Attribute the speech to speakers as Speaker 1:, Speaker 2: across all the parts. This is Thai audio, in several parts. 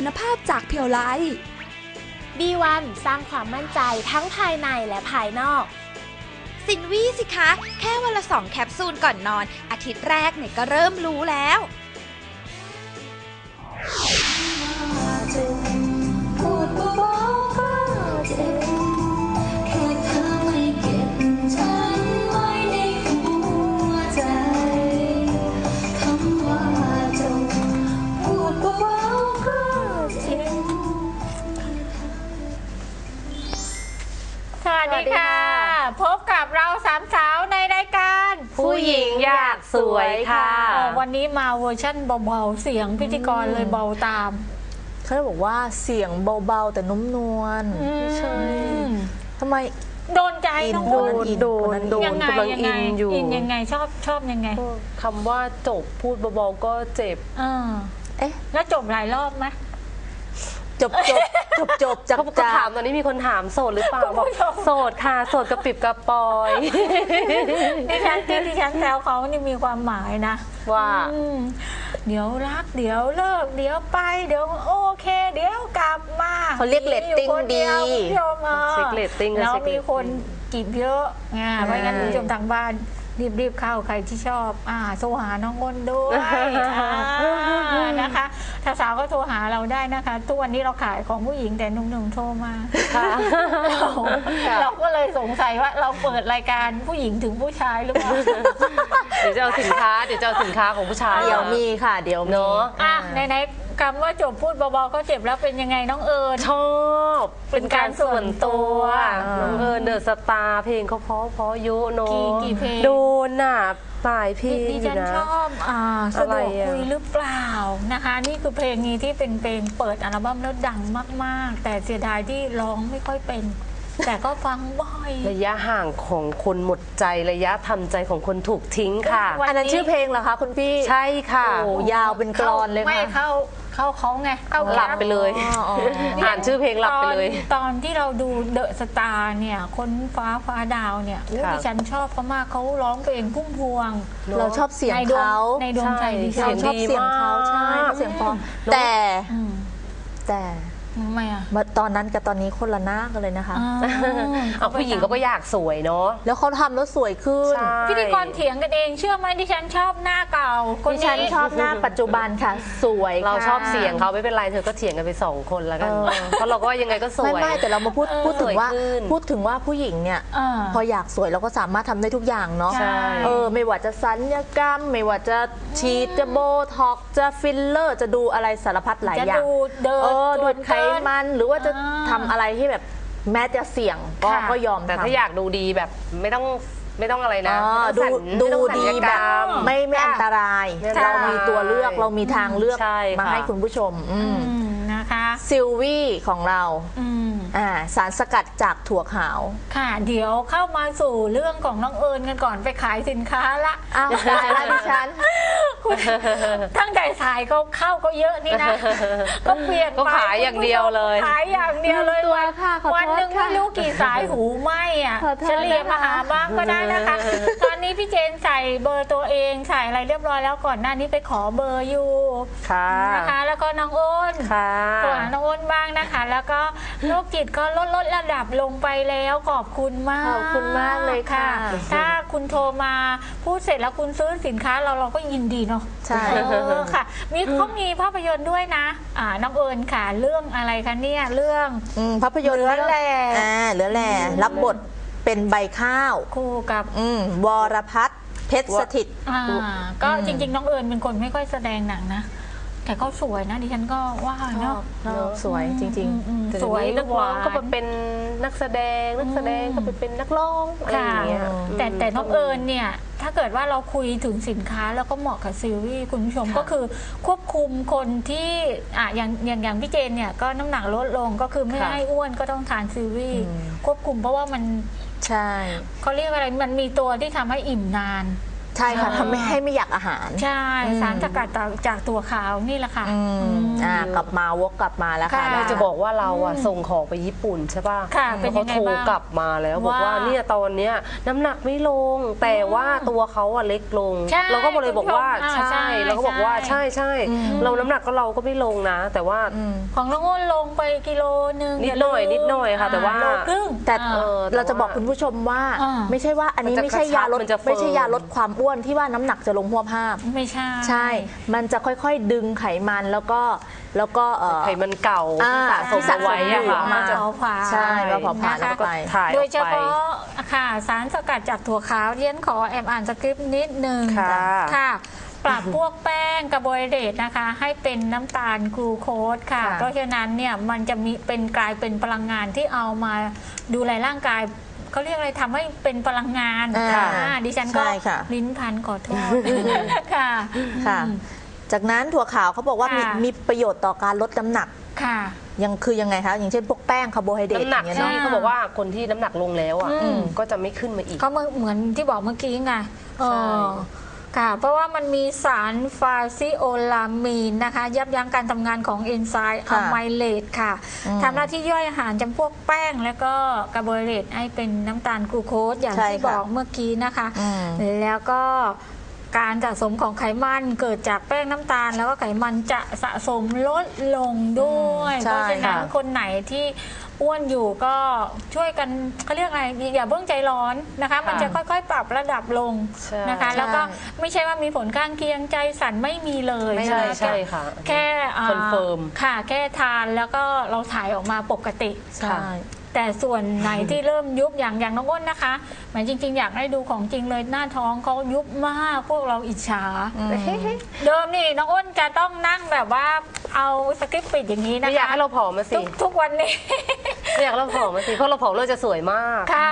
Speaker 1: คุณภาพจากเพียวไล
Speaker 2: B1 สร้างความมั่นใจทั้งภายในและภายนอก
Speaker 3: สินวี่สิคะ แค่วันละ2 แคปซูลก่อนนอน อาทิตย์แรกเนี่ยก็เริ่มรู้แล้ว
Speaker 4: สวัสดีค่ะ พบกับเราสามสาวในรายการ
Speaker 5: ผู้หญิงอยากสวยค่ะ
Speaker 4: วันนี้มาเวอร์ชั่นเบาๆเสียงพิธีกรเลยเบาตาม
Speaker 5: เขาบอกว่าเสียงเบาๆแต่นุ่มนวลใช่ทำไม
Speaker 4: โดนใจน้องโดน
Speaker 5: ยังไง
Speaker 4: ยังไงชอบยังไง
Speaker 5: คำว่าจบพูดเบาๆก็เจ็บ
Speaker 4: แล้วจบหลายรอบไหม
Speaker 5: จบจากเขาถามตอนนี้มีคนถามโสดหรือเปล่าบอกโสดค่ะโสดกระปิบกระปอย
Speaker 4: ดิฉันแซวเขานี่มีความหมายนะ
Speaker 5: ว่า
Speaker 4: เดี๋ยวรักเดี๋ยวเลิกเดี๋ยวไปเดี๋ยวโอเคเดี๋ยวกลับมา
Speaker 5: เขาเรียกเรตติ้งดี
Speaker 4: เช็คเรตติ้งแล้วมีคนจีบเยอะไงเพราะงั้นผู้ชมทางบ้านรีบเข้าใครที่ชอบโทรหาน้องอ้นด้วยนะคะถ้าสาวก็โทรหาเราได้นะคะทุกวันนี้เราขายของผู้หญิงแต่หนุ่มๆโทรมาเราก็เลยสงสัยว่าเราเปิดรายการผู้หญิงถึงผู้ชายหรือเปล่า
Speaker 5: เดี๋ยวจะเอาสินค้าของผู้ชายเดี๋ยวมีค่ะเดี๋ยวมี
Speaker 4: ในคำว่าจบพูดเบาๆก็เจ็บแล้วเป็นยังไงน้องเอิญ
Speaker 5: ชอบเป็นการส่วนตัวน้องเอิญเดอะสตาร์เพลงเขาเพราะยุโน
Speaker 4: กี่เพลง
Speaker 5: โดนน่ะหลายเพลง
Speaker 4: ดิฉันชอบสะดวกคุยหรือเปล่านะคะนี่คือเพลงนี้ที่เป็นเพลงเปิดอัลบั้มแล้วดังมากๆแต่เสียดายที่ร้องไม่ค่อยเป็นแต่ก็ฟังบ่อย
Speaker 5: ระยะห่างของคนหมดใจระยะทำใจของคนถูกทิ้งค่ะ
Speaker 4: อันนั้นชื่อเพลงเหรอคะคุณพี่
Speaker 5: ใช่ค่ะ
Speaker 4: โอ้ยาวเป็นกลอนเลยค่ะไม่เข้าเขาไง
Speaker 5: หลับไปเลยอ่านชื่อเพลงหลับไปเลย
Speaker 4: ตอนที่เราดูเดอะสตาร์เนี่ยคนฟ้าดาวเนี่ยดิฉันชอบเขามากเขาร้องเพลงพุ่มพวง
Speaker 5: เราชอบเสียงเขา
Speaker 4: ในดวงใจดิฉัน
Speaker 5: ชอบเสียงเขาใช่เสียงเพราะแต่
Speaker 4: ทำไมอ่ะ
Speaker 5: ตอนนั้นกับตอนนี้คนละหน้ากันเลยนะคะเอาผู้หญิงก็อยากสวยเนาะแล้วเขาทำแล้วสวยขึ้น
Speaker 4: พิธีกรเถียงกันเองเชื่อไหมดิฉันชอบหน้าเก่า
Speaker 5: ดิฉันชอบหน้าปัจจุบันค่ะสวยเราชอบเสียงเขาไม่เป็นไรเธอก็เถียงกันไป2 คนแล้วกันเพราะเราก็ยังไงก็สวยไม่แต่เรามาพูดถึงว่าผู้หญิงเนี่ยพออยากสวยเราก็สามารถทำได้ทุกอย่างเนาะไม่ว่าจะศัลยกรรมไม่ว่าจะฉีดจะโบท็อกจะฟิลเลอร์จะดูอะไรสารพัดหลายอย่างดูดไขมันหรือว่าจะทำอะไรที่แบบแม้จะเสี่ยงก็ยอมแต่ถ้าอยากดูดีแบบไม่ต้องอะไรนะดูดีแบบไม่อันตรายเรามีตัวเลือกเรามีทางเลือกมาให้คุณผู้ชม
Speaker 4: นะคะ
Speaker 5: ซิลวี่ของเราสารสกัดจากถั่วขาว
Speaker 4: ค่ะเดี๋ยวเข้ามาสู่เรื่องของน้องเอิญกันก่อนไปขายสินค้าละ
Speaker 5: ได้แล้วดิฉัน
Speaker 4: ตั้งแต่สายเข้าก็เยอะนี่นะก็เปลี่ยน
Speaker 5: ก็ขายอย่างเดียวเลย
Speaker 4: ขายอย่างเดียวเลยวันหนึ่งไม่รู้กี่สายหูไหมเฉลี่ยมาหาบ้างก็ได้นะคะตอนนี้พี่เจนใส่เบอร์ตัวเองใส่อะไรเรียบร้อยแล้วก่อนหน้านี้ไปขอเบอร์อยู่นะคะแล้วก็น้องอ้นตัวน้องอ้นบ้างนะคะแล้วก็โรคจิตก็ลดระดับลงไปแล้วขอบคุณมาก
Speaker 5: เลยค่ะ
Speaker 4: ถ้าคุณโทรมาพูดเสร็จแล้วคุณซื้อสินค้าเราก็ยินดีเนาะ
Speaker 5: ใช่
Speaker 4: ค่ะเขามีภาพยนตร์ด้วยนะน้องเอิญค่ะเรื่องอะไรคะเนี่ยเรื่อง
Speaker 5: ภาพยนตร์
Speaker 4: เรือแหล่
Speaker 5: รับบทเป็นใบข้าว
Speaker 4: คู่กับ
Speaker 5: วรพัฒน์เพชรสถิต
Speaker 4: ก็จริงๆน้องเอิญเป็นคนไม่ค่อยแสดงหนังนะแต่เขาสวยนะดิฉันก็ว่าเนาะ
Speaker 5: สวยจริงๆ
Speaker 4: สวย
Speaker 5: นักร้องก็เป็นนักแสดงก็เป็นนักร้องอะไรอย่างเงี้ย
Speaker 4: แต่น้องเอิญเนี่ยถ้าเกิดว่าเราคุยถึงสินค้าแล้วก็เหมาะกับซิลวี่คุณผู้ชมก็คือควบคุมคนที่อย่างพี่เจนเนี่ยก็น้ำหนักลดลงก็คือไม่ให้อ้วนก็ต้องทานซิลวี่ควบคุมเพราะว่ามัน
Speaker 5: ใช่
Speaker 4: เขาเรียกอะไรมันมีตัวที่ทำให้อิ่มนาน
Speaker 5: ใช่ค่ะทำให้ไม่อยากอาหาร
Speaker 4: ใช่สารสกัดจากตัวขาวนี่แหละค่ะ
Speaker 5: กลับมาวกกลับมาแล้วค่ะ
Speaker 2: เราจะบอกว่าเราส่งของไปญี่ปุ่นใช่ป่ะแล้วเขาโทรกลับมาแล้วบอกว่าเนี่ยตอนเนี้ยน้ำหนักไม่ลงแต่ว่าตัวเขาเล็กลงเราก็เลยบอกว่าใช่เราก็บอกว่าใช่เราน้ำหนักเราก็ไม่ลงนะแต่ว่า
Speaker 4: ของน้องอ้นลงไปกิโลนึง
Speaker 2: นิดหน่อยค่ะแต่ว่า
Speaker 5: แต่เราจะบอกคุณผู้ชมว่าไม่ใช่ว่าอันนี้ไม่ใช่ยาลดความอ้วนที่ว่าน้ำหนักจะลงหัวภาพ
Speaker 4: ไม่ใช่
Speaker 5: มันจะค่อยๆดึงไขมันแล้วก็
Speaker 2: ไขมันเก่าที่สะสมไว้
Speaker 5: มาใช่มาเผาผลาญแล้วก็
Speaker 4: ถ่ายโดยเฉพาะค่ะสารสกัดจากถั่วขาวเรียนขออ่านสคริปต์นิดนึงค่ะปรับพวกแป้งคาร์โบไฮเดรตนะคะให้เป็นน้ำตาลกลูโคสค่ะเพราะฉะนั้นเนี่ยมันจะมีกลายเป็นพลังงานที่เอามาดูแลร่างกายเขาเรียกอะไรทำให้เป็นพลังงานดิฉันก็ลิ้นพันขอโทษค่ะ
Speaker 5: จากนั้นถั่วขาวเขาบอกว่ามีประโยชน์ต่อการลดน้ำหนัก
Speaker 4: ค่ะ
Speaker 5: ยังไงคะอย่างเช่นพวกแป้งคาร์โบไฮเดรต
Speaker 2: น้ำหนักที่เขาบอกว่าคนที่น้ำหนักลงแล้วก็จะไม่ขึ้นมาอีก
Speaker 4: ก็เหมือนที่บอกเมื่อกี้ไงค่ะเพราะว่ามันมีสารฟาซิโอลามีนนะคะยับยั้งการทำงานของเอนไซม์อะไมเลตค่ะทำหน้าที่ย่อยอาหารจำพวกแป้งแล้วก็คาร์โบไฮเดรตให้เป็นน้ำตาลกลูโคสอย่างที่บอกเมื่อกี้นะคะแล้วก็การสะสมของไขมันเกิดจากแป้งน้ำตาลแล้วก็ไขมันจะสะสมลดลงด้วยเพราะฉะนั้นคนไหนที่อ้วนอยู่ก็ช่วยกันเขาเรียกอะไรอย่าเพิ่งใจร้อนนะคะมันจะค่อยๆปรับระดับลงนะคะแล้วก็ไม่ใช่ว่ามีผลข้างเคียงใจสั่นไม่มีเลย
Speaker 2: ใช่ค่ะ
Speaker 4: แค่
Speaker 2: คอนเฟิร์ม
Speaker 4: ค่ะแค่ทานแล้วก็เราถ่ายออกมาปกติ
Speaker 5: ใช่
Speaker 4: แต่ส่วนไหนที่เริ่มยุบอย่างน้องอ้นนะคะหมายจริงๆอยากให้ดูของจริงเลยหน้าท้องเขายุบมากพวกเราอิจฉาเดิมนี่น้องอ้นจะต้องนั่งแบบว่าเอาสคริปต์ปิดอย่างนี้นะคะไม่
Speaker 2: อยากให้เราผอมมาสิ
Speaker 4: ทุกวันนี้
Speaker 2: ไม่อยากเราผอมมาสิเพราะเราผอมเราจะสวยมาก
Speaker 4: ค่ะ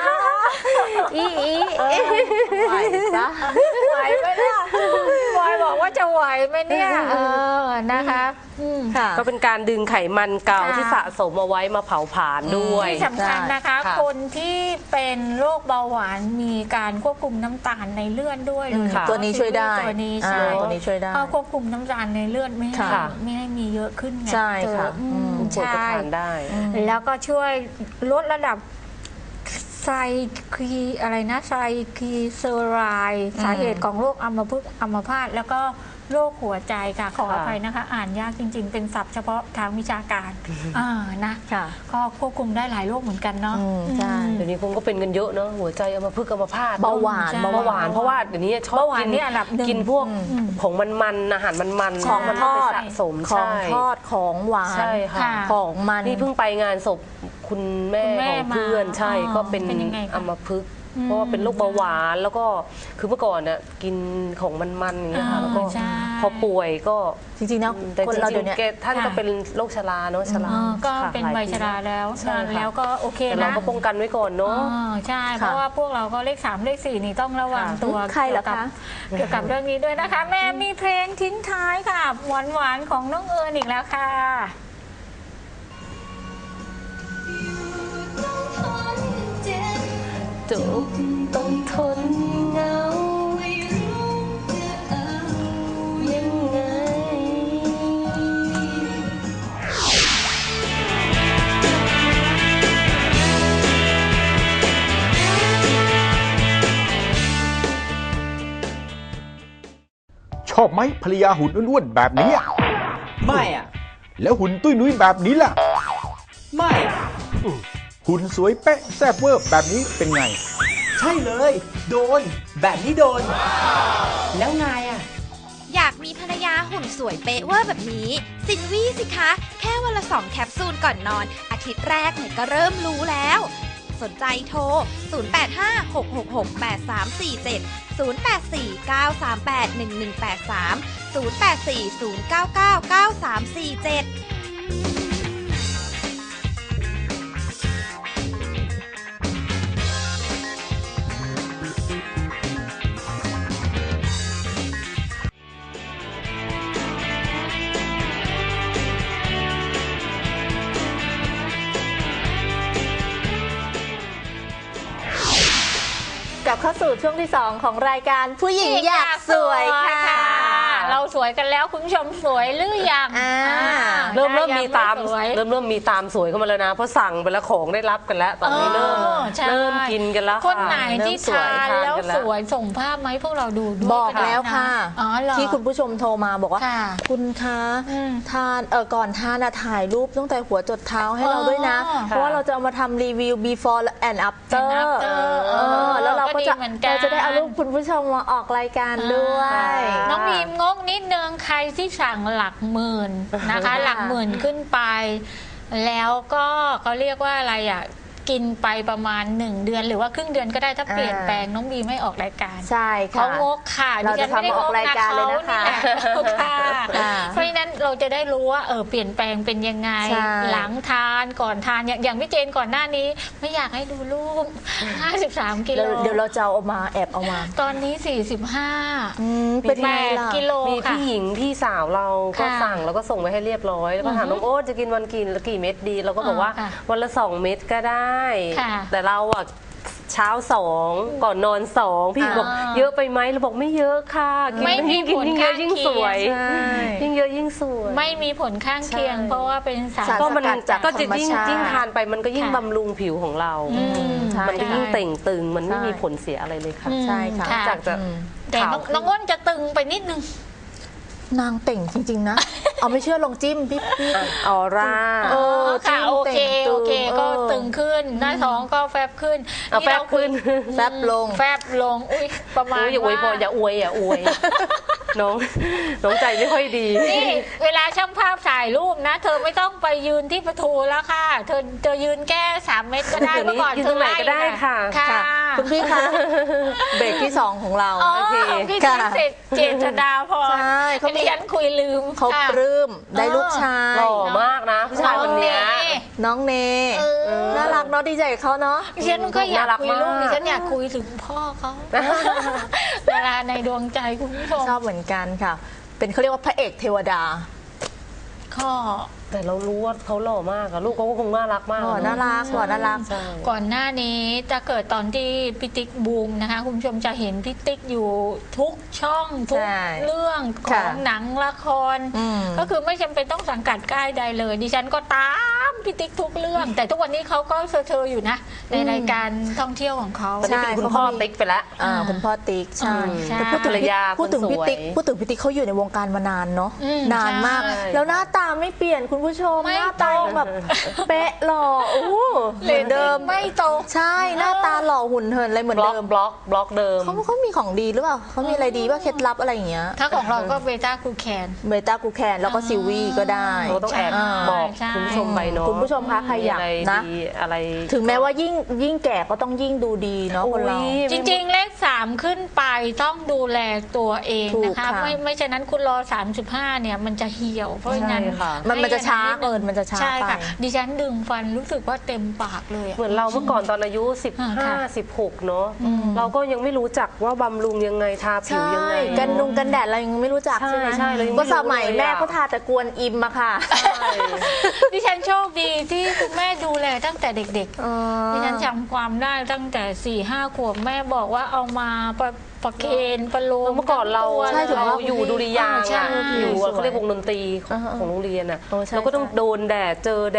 Speaker 5: ไหวจ้ะ
Speaker 4: ไหวไหมล่ะบอยบอกว่าจะไหวไหมเนี่ยนะคะ
Speaker 2: ก็เป็นการดึงไขมันเก่าที่สะสมเอาไว้มาเผาผลาญด้วย
Speaker 4: ที่สำคัญนะคะคนที่เป็นโรคเบาหวานมีการควบคุมน้ำตาลในเลือดด้วย
Speaker 5: ตัวนี้ช่วยได้
Speaker 4: ตัวนี้ช่วยได้
Speaker 5: คว
Speaker 4: บคุมน้ำตาลในเลือดไม่ให้มีเยอะขึ้นไง
Speaker 5: ใช่ค่ะ
Speaker 2: ใช่ได้
Speaker 4: แล้วก็ช่วยลดระดับไซคีอะไรนะไซคีเซอไรด์สาเหตุของโรคอัมพาตแล้วก็โรคหัวใจค่ะขออภัยนะคะอ่านยากจริงๆเป็นศัพท์เฉพาะทางวิชาการนะก็ควบคุมได้หลายโรคเหมือนกันเนาะ
Speaker 5: ใช่
Speaker 2: เดี๋ยวนี้คงก็เป็นกันเยอะเนาะหัวใจอัมพฤกษ์อัมพาต
Speaker 5: เบาหวาน
Speaker 2: เพราะว่าเดี๋ยวนี้ชอบกินพวกของมันอาหารมัน
Speaker 5: ของทอด
Speaker 2: สะสม
Speaker 5: ของทอดของหวานของมัน
Speaker 2: นี่เพิ่งไปงานศพคุณแม่ของเพื่อนใช่ก็เป็นอัมพฤกษ์เพราะว่าเป็นโรคเบาหวานแล้วก็คือเมื่อก่อนน่ะกินของมันๆอย่างเงี้ยค่ะแล้วก็พอป่วยก็
Speaker 5: จริงๆนะ
Speaker 2: คนเราเดี๋ยวนี้ท่านก็เป็นโรคชราเนาะชรา
Speaker 4: ก็เป็นวัยชราแล้วแล้วก็โอเคนะ
Speaker 2: เราก็ป้องกันไว้ก่อนเนาะ
Speaker 4: ใช่เพราะว่าพวกเราก็เลข3เลข4นี่ต้องระวังตัว
Speaker 5: ใครเหรอคะ
Speaker 4: เกี่ยวกับเรื่องนี้ด้วยนะคะแม่มีเพลงทิ้งท้ายค่ะหวานๆของน้องเอิญอีกแล้วค่ะ
Speaker 2: จบต้องทนเหงายังไง
Speaker 1: ชอบไหมภรรยาหุ่นอ้วนๆแบบนี้
Speaker 6: ไม่อ่ะ
Speaker 1: แล้วหุ่นตุ้ยนุ้ยแบบนี้ล่ะ
Speaker 6: ไม่
Speaker 1: หุ่นสวยเป๊ะแซ่บเวอร์แบบนี้เป็นไง
Speaker 6: ใช่เลยโดนแบบนี้โดนแล้วไงอ่ะ
Speaker 3: อยากมีภรรยาหุ่นสวยเป๊ะเวอร์แบบนี้ซินวี่สิคะแค่วันละ2แคปซูลก่อนนอนอาทิตย์แรกเนี่ยก็เริ่มรู้แล้วสนใจโทร0856683183 0840999347
Speaker 5: กลับเข้าสู่ช่วงที่ 2 ของรายการผู้หญิงอยากสวยค่ะ
Speaker 4: เราสวยกันแล้วคุณผู้ชมสวยหรือยัง
Speaker 2: เริ่มมีตามเริ่มมีตามสวยเข้ามาแล้วนะเพราะสั่งไปแล้วของได้รับกันแล้วตอนนี้เริ่มกินกันแล้ว
Speaker 4: คนไหนที่ทานแล้วสวยส่งภาพไหมพวกเราดูด้วย
Speaker 5: บอกแล้วค่ะที่คุณผู้ชมโทรมาบอกว่าคุณคะทานก่อนทานถ่ายรูปตั้งแต่หัวจดเท้าให้เราด้วยนะเพราะว่าเราจะเอามาทำรีวิว before and after แล้วเราก็จะได้เอารูปคุณผู้ชมมาออกรายการด้วย
Speaker 4: น้องบีมงกนิดนึงใครที่สั่งหลักหมื่นนะคะหลักหมื่นขึ้นไปแล้วก็เขาเรียกว่าอะไรอ่ะกินไปประมาณ1 เดือนหรือว่าครึ่งเดือนก็ได้ถ้าเปลี่ยนแปลงน้องบีไม่ออกรายการ
Speaker 5: ใช่ค่ะ
Speaker 4: เขางกค่ะ
Speaker 5: เราจะทำออกรายการเลยนะคะ
Speaker 4: เพราะฉะนั้นเราจะได้รู้ว่าเปลี่ยนแปลงเป็นยังไงหลังทานก่อนทานอย่างพี่เจนก่อนหน้านี้ไม่อยากให้ดูรูป53 กิโล
Speaker 5: เดี๋ยวเราจะเอามาแอบเอามา
Speaker 4: ตอนนี้45เป็น8 กิโล
Speaker 2: มีพี่หญิงพี่สาวเราก็สั่งแล้วก็ส่งไปให้เรียบร้อยแล้วก็ถามน้องโอ๊ตจะกินวันกี่เม็ดดีเราก็บอกว่าวันละ2 เม็ดก็ได้แต่เราอะเช้า2ก่อนนอน2พี่บอกเยอะไปไหมเราบอกไม่เยอะค่ะยิ่งกินยิ่งเยอะยิ่งสวยยิ่งเยอะยิ่งสวย
Speaker 4: ไม่มีผลข้างเคียงเพราะว่าเป็นสาร
Speaker 5: ก็มัน
Speaker 2: ก็จะยิ่งทานไปมันก็ยิ่งบำรุงผิวของเรามันก็ยิ่งเต่งตึงมันไม่มีผลเสียอะไรเลยค่ะ
Speaker 5: ใช่ค่ะ
Speaker 2: จากจะ
Speaker 4: แต่น้องอ้นจะตึงไปนิดนึง
Speaker 5: นางเต่งจริงๆนะเอาไม่เชื่อลองจิ้มพี่
Speaker 2: ออร่า
Speaker 4: ค่ะโอเคก็ตึงขึ้นหน้าท้องก็แฟบขึ้น
Speaker 2: แฟบขึ้น
Speaker 5: แฟบลง
Speaker 4: อุ้ยประมาณ
Speaker 2: อย่าอวยพออย่าอวยน้องใจไม่ค่อยดี
Speaker 4: นี่เวลาช่างภาพถ่ายรูปนะเธอไม่ต้องไปยืนที่ประตูแล้วค่ะเธอยืนแค่3 เมตรก็ได้เมื่อก่อน
Speaker 2: เธอไหนก็ได้ค่ะ
Speaker 5: คุณพี่คะเบรกที่2ของเรา
Speaker 4: โอเคพี่เจษฎาพร
Speaker 5: ใช่เขา
Speaker 4: ดิฉันคุยลืม
Speaker 5: เขาปลื้มได้ลูกชาย
Speaker 2: หล่อมากนะผู้ชายคนนี้
Speaker 5: น้องเนน่ารักเนาะดีใจกับเขาเนาะ
Speaker 4: ดิฉันก็อยากคุยลูกดิฉันอยากคุยถึงพ่อเขาเวลาในดวงใจคุณผู้ชม
Speaker 5: ชอบเหมือนกันค่ะเป็นเขาเรียกว่าพระเอกเทวดา
Speaker 2: แต่เรารู้ว่าเขาหล่อมากอะลูกเขาก็คงน่ารักมาก
Speaker 5: น่ารัก
Speaker 4: ก่อนหน้านี้จะเกิดตอนที่พี่ติ๊กบูมนะคะคุณผู้ชมจะเห็นพี่ติ๊กอยู่ทุกช่องทุกเรื่องของหนังละครก็คือไม่จำเป็นต้องสังกัดค่ายใดเลยดิฉันก็ตามพี่ติ๊กทุกเรื่องแต่ทุกวันนี้เขาก็เชออยู่นะในรายการท่องเที่ยวของเขา
Speaker 2: ตอนนี้เป็นคุณพ่อติ๊กไปแล้ว
Speaker 5: คุณพ่อติ๊กใช่พูดถึงพี่ติ๊กเขาอยู่ในวงการมานานเนาะนานมากแล้วหน้าตาไม่เปลี่ยนคุณผู้ชมหน้าตาแบบเป๊ะหล่อเหมือนเดิม
Speaker 4: ไม่โต
Speaker 5: ใช่หน้าตาหล่อหุ่นเหินอะไรเหมือนเดิม
Speaker 2: บล็อกเดิม
Speaker 5: เขามีของดีหรือเปล่าเขามีอะไรดีว่าเคล็ดลับอะไรอย่างเงี้ย
Speaker 4: ถ้าของเราก็เบต้ากูแคน
Speaker 5: แล้วก็ซิวี่ก็ได้
Speaker 2: เราต้องแอบบอกคุณผู้ชมไปเนาะ
Speaker 5: คุณผู้ชมคะใครอยากนะ
Speaker 2: อะไร
Speaker 5: ถึงแม้ว่ายิ่งแก่ก็ต้องยิ่งดูดีเนาะคนเรา
Speaker 4: จริงๆเลข3ขึ้นไปต้องดูแลตัวเองนะคะไม่ฉะนั้นคุณรอ35เนี่ยมันจะเหี่ยวเพราะฉะนั้น
Speaker 5: มันจะช้าเกินมันจะช้าไป
Speaker 4: ดิฉันดึงฟันรู้สึกว่าเต็มปากเลย
Speaker 2: เหมือนเราเมื่อก่อนตอนอายุ15-16เนาะเราก็ยังไม่รู้จักว่าบำรุงยังไงทาผิวยังไง
Speaker 5: กันแดดเรายังไม่รู้จักใช่ไหม
Speaker 2: ใช่
Speaker 5: ก็สมัยแม่เขาทาแต่กวนอิมอะค่ะ
Speaker 4: ดิฉันโชคดีที่คุณแม่ดูแลตั้งแต่เด็กๆดิฉันจำความได้ตั้งแต่4-5 ขวบแม่บอกว่าเอามาประเคนประโลม
Speaker 2: เมื่อก่อนเราอยู่ดุริยางค์อยู่เขาเรียกวงดนตรีของโรงเรียนอ่ะเราก็ต้องโดนแดดเจอแด